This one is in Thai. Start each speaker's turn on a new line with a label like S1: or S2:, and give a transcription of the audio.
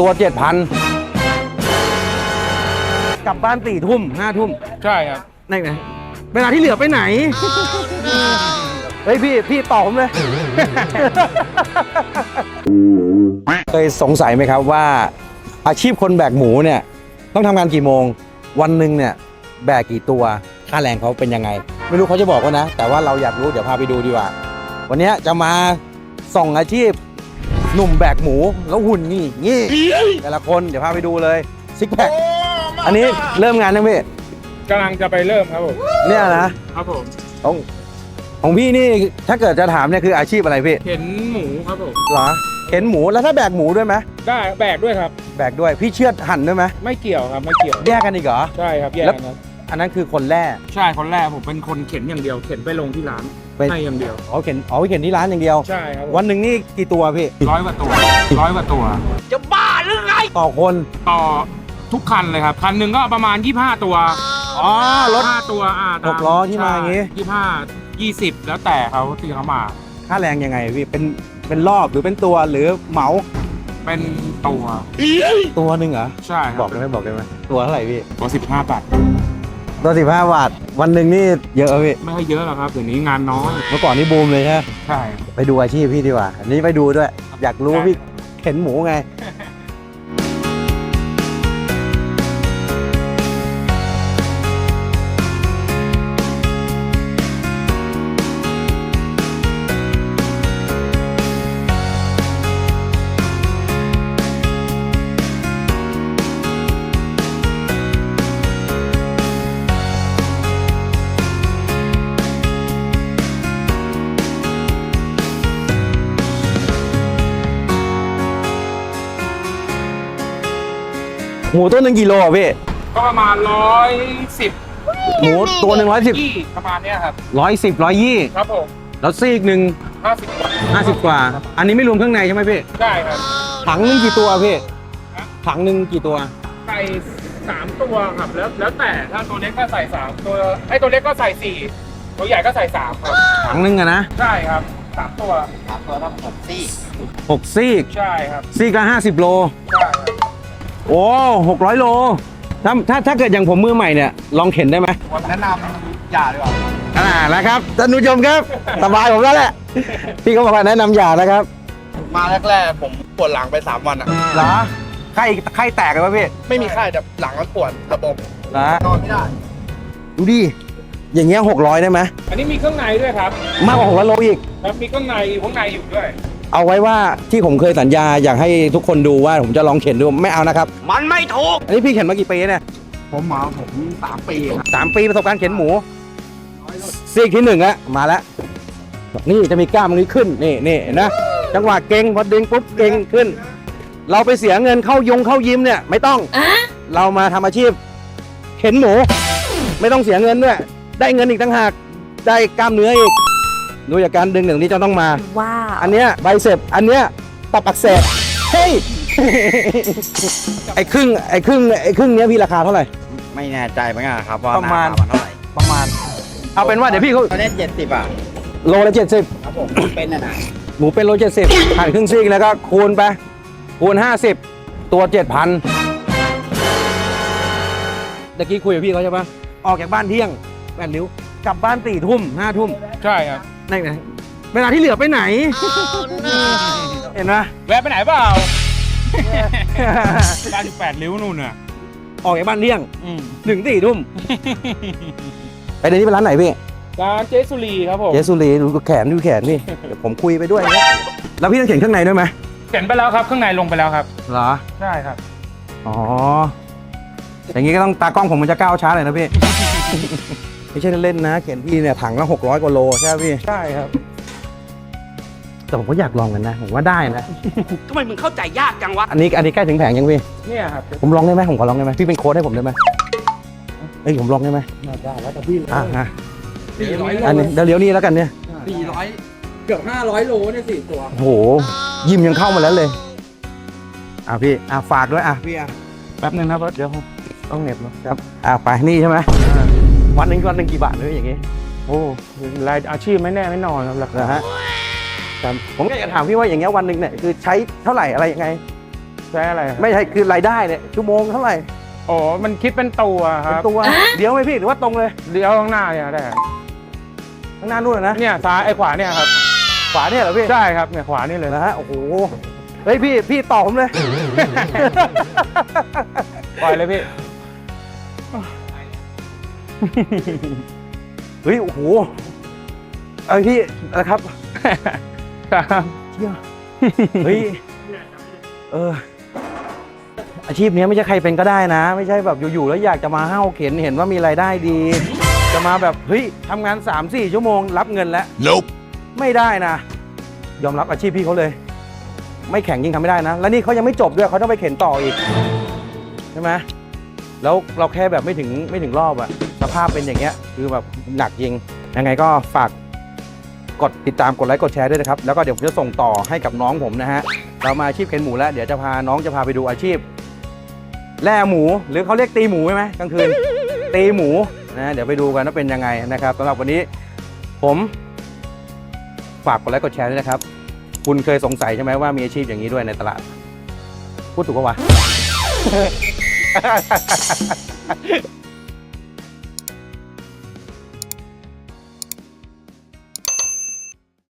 S1: ตัว 7,000กลับบ้าน4 ทุ่ม5 ทุ่ม
S2: ใช่ครับ
S1: ไหนเวลาที่เหลือไปไหนเฮ้ยพี่ตอบผมเลย เคยสงสัยไหมครับว่าอาชีพคนแบกหมูเนี่ยต้องทำงานกี่โมงวันหนึ่งเนี่ยแบกกี่ตัวค่าแรงเขาเป็นยังไงไม่รู้เขาจะบอกว่านะแต่ว่าเราอยากรู้เดี๋ยวพาไปดูดีกว่าวันนี้จะมาส่องอาชีพหนุ่มแบกหมูแล้วหุ่นนี่แต่ละคนเดี๋ยวพาไปดูเลยซิกแพคอันนี้เริ่มงานยังพี่
S2: กำลังจะไปเริ่มครับผม
S1: เนี่ยนะครับ
S2: ผม
S1: ของพี่นี่ถ้าเกิดจะถามเนี่ยคืออาชีพอะไรพี่
S2: เข็นหมูครับผม
S1: เหรอเข็นหมูแล้วถ้าแบกหมูด้วยไหม
S2: ได้แบกด้วยครับ
S1: แบกด้วยพี่เชือดหั่นด้วยไหม
S2: ไม่เกี่ยวครับไม่เกี่ยว
S1: แยกกันอีกเหรอ
S2: ใช่ครับแยกกันครับ
S1: อันนั้นคือคนแรก
S2: ใช่คนแรกผมเป็นคนเข็นอย่างเดียวเข็นไปลงที่ร้านให้อย่างเดียว
S1: เข็นไปเข็นที่ร้านอย่างเดียว
S2: ใช่ครับ
S1: วันหนึ่งนี่กี่ตัวพี่
S2: 100 กว่าตัวจะบ้าหรือไง
S1: ต่อคน
S2: ต่อทุกคันเลยครับคันหนึ่งก็ประมาณ25 ตัว
S1: รถ
S2: 5 ตัว
S1: 6 ล้อที่มาอย่างงี้
S2: 20แล้วแต่เขาที่เขามา
S1: ค่าแรงยังไงพี่เป็นรอบหรือเป็นตัวหรือเหมา
S2: เป็นตัว
S1: หนึ่งเหรอ
S2: ใช่
S1: บอกได้ไหมตัวเท่าไหร่พี่
S2: ตัว15 บาท
S1: ตัว15 บาทวันหนึ่งนี่เยอะพี่
S2: ไม่ค่อยเยอะหรอกครับเดี๋ยวนี้งานน้อย
S1: เมื่อก่อนนี่บูมเลย
S2: ใช่
S1: ไปดูอาชีพพี่ดีกว่าอันนี้ไปดูด้วยอยากรู้พี่เข็นหมูไงหมูตัว1 กิโลอ่ะพี่
S2: ก็ประมาณ110
S1: หมูตัว110
S2: ประมาณนี้ครับ
S1: 110 120
S2: ครับผม
S1: แล้วซีกหนึ่ง50 กว่าอันนี้ไม่รวมเครื่องในใช่ไหมพี่
S2: ใช่ครับ
S1: ถังนึงกี่ตัวพี่ถังนึงกี่ตัว
S2: ใส่3 ตัวครับแล้วแต่ถ้าตัวเล็กก็ใส่3ตัวไอ้ตัวเล็กก็ใส่4ตัวใหญ่ก็ใส่3ครับ
S1: ถังนึงอะนะ
S2: ใช่ครับ3 ตัวทั้ง
S1: 6 ซีก
S2: ใช่ครับ
S1: ซีกละ50 โล
S2: ใช่
S1: โอ้600 โลถ้าเกิดอย่างผมมือใหม่เนี่ยลองเข็นได้ไหม
S2: แนะนำอย่าดีกว่า
S1: แล้วครับท่านผู้ชมครับสบายผมแล้วแหละพี่เขาบอกว่าแนะนำอย่านะครับ
S2: มาแรกๆผมปวดหลังไป3 วันอ่ะ
S1: เหรอไข้แตกเลยป่ะพี่
S2: ไม่มีไข้แต่หลังมันปวดระบบ
S1: น
S2: อนไม่ได้
S1: ดูดิอย่างเงี้ย600ได้ไหม
S2: อันนี้มีเครื่องในด้วยครับ
S1: มากกว่า600 โลอีก
S2: ครับมีเครื่องในอยู่ด้วย
S1: เอาไว้ว่าที่ผมเคยสัญญาอยากให้ทุกคนดูว่าผมจะลองเข็นดูไม่เอานะครับ
S2: มันไม่ถูก
S1: อันนี้พี่เข็นมากี่ปีเนี่ย
S2: ผม3 ปีครับ
S1: 3 ปีประสบการณ์เข็นหมูซีกที่1แล้วมาแล้วนี่จะมีกล้ามตรงนี้ขึ้นนี่นะจังหวะเก่งพอดึงปุ๊บเก่งขึ้นเราไปเสียเงินเข้ายิ้มเนี่ยไม่ต้องเรามาทำอาชีพเข็นหมูไม่ต้องเสียเงินด้วยได้เงินอีกต่างหากได้กล้ามเนื้ออีกดูจากการดึงหนึ่งนี้จะต้องมา
S3: ว้าว
S1: อันเนี้ยไบเซปอันเนี้ยตับอักเสบเฮ้ย ไอ้ครึ่งเนี้ยพี่ราคาเท่าไหร่
S4: ไม่แน่ใจเหมือนกันครับว่า
S1: ประมาณ
S4: เท่าไหร่
S1: เอาเป็นว่าเดี๋ยวพี่เขา
S4: เล่น70 บาท
S1: โลละ70
S4: ครับผมเป็นนะ
S1: หมูเป็นโล70หั่นครึ่งซีกแล้วก็คูณไปคูณ50ตัว 7,000ตะกี้คุยกับพี่เขาใช่ปะออกจากบ้านเที่ยง8 ริ้วกลับบ้าน4 ทุ่ม5 ทุ่ม
S2: ใช่ครับ
S1: ไหนเวลาที่เหลือไปไหนเห็นไหม
S2: แวะไปไหนเปล่าบ้าน8 ริ้วนู่นน่ะ
S1: ออกจากบ้านเที่ยงถึง4 ทุ่มไปเดี๋ยวนี้เป็นร้านไหนพี่
S2: ร้านเจสุรีครับผม
S1: เจสุรีดูแขนนี่เดี๋ยวผมคุยไปด้วยแล้วพี่ต้องเข็นเครื่องในด้วยไหม
S2: เข็นไปแล้วครับเครื่องในลงไปแล้วครับ
S1: เหรอ
S2: ใช่ครับ
S1: อ๋ออย่างงี้ก็ต้องตากล้องผมมันจะก้าวช้าเลยนะพี่ไม่ใช่เล่นนะเข็นพี่เนี่ยถังละ600 กว่าโลใช่ไหมพี่
S2: ใช่ครับ
S1: แต่ผมก็อยากลองกันนะผมว่าได้นะ
S4: ทำไมมึงเข้าใจยากจังวะ
S1: อันนี้ใกล้ถึงแผงยังพี่
S2: เนี่ยครับ
S1: ผมลองได้ไหมผมขอลองได้ไหมพี่เป็นโค้ชให้ผมได้ไหมผมลองได้ไหม
S2: ได้แล้วแต่พี่
S1: อันนี้เดี๋ยวนี้แล้วกันเนี่ย
S2: 400เกือบ500 โลเนี่ย4 ตัว
S1: โอ้โหยิมยังเข้ามาแล้วเลยพี่ฝากด้วยพี่
S2: แป๊บนึงนะเดี๋ยว
S1: ต้องเหน็บนะครับไปนี่ใช่ไหมวันหนึ่งกี่บาทเลยอย่างงี้
S2: โอ้รายอาชีพไม่แน่ไม่นอนครับราคา
S1: ผมอยากจะถามพี่ว่าอย่างเงี้ยวันหนึ่งเนี่ยคือใช้เท่าไหร่อะไรยังไง
S2: ใช้อะไรครับ
S1: ไม่ใช่คือรายได้เนี่ยชั่วโมงเท่าไหร่
S2: โอ้มันคิดเป็นตัวค
S1: เป็น
S2: รับ
S1: ตัวเดี๋ยวไหมพี่หรือว่าตรงเลย
S2: เลี้ยวข้างหน้าเนี่ยได้ครับ
S1: ข้างหน้านู่นนะ
S2: เนี่ยซ้ายไอ้ขวาเนี่ยครับ
S1: ขวาเนี่ยเหรอพี่
S2: ใช่ครับเนี่ยขวานี่เลย
S1: นะฮะโอ้โหเฮ้ยพี่ตอบผมเลย
S2: ปล่อยเลยพี่
S1: เฮ้ยโอ้โหเอาพี่นะครับ
S2: ครับ
S1: เชี่ยเฮ้ยอาชีพนี้ไม่ใช่ใครเป็นก็ได้นะ ไม่ใช่แบบอยู่ๆแล้วอยากจะมาห้าวเข็นเห็นว่ามีรายได้ดี จะมาแบบเฮ้ยทำงาน 3-4 ชั่วโมงรับเงินแล้ว
S3: Nope.
S1: ไม่ได้นะ ยอมรับอาชีพพี่เขาเลย ไม่แข่งยิ่งทำไม่ได้นะ แล้วนี่เขายังไม่จบด้วยเขาต้องไปเข็นต่ออีกใช่ไหมแล้วเราแค่แบบไม่ถึงรอบอะสภาพเป็นอย่างเงี้ยคือแบบหนักจริงยังไงก็ฝากกดติดตามกดไลค์กดแชร์ด้วยนะครับแล้วก็เดี๋ยวผมจะส่งต่อให้กับน้องผมนะฮะเรามาอาชีพเข็นหมูแล้วเดี๋ยวจะพาน้องจะพาไปดูอาชีพแล่หมูหรือเขาเรียกตีหมูใช่ไหมกลางคืน ตีหมูนะเดี๋ยวไปดูกันว่าเป็นยังไงนะครับสำหรับวันนี้ผมฝากกดไลค์กดแชร์ด้วยนะครับคุณเคยสงสัยใช่ไหมว่ามีอาชีพอย่างนี้ด้วยในตลาดพูดถูกปะวะ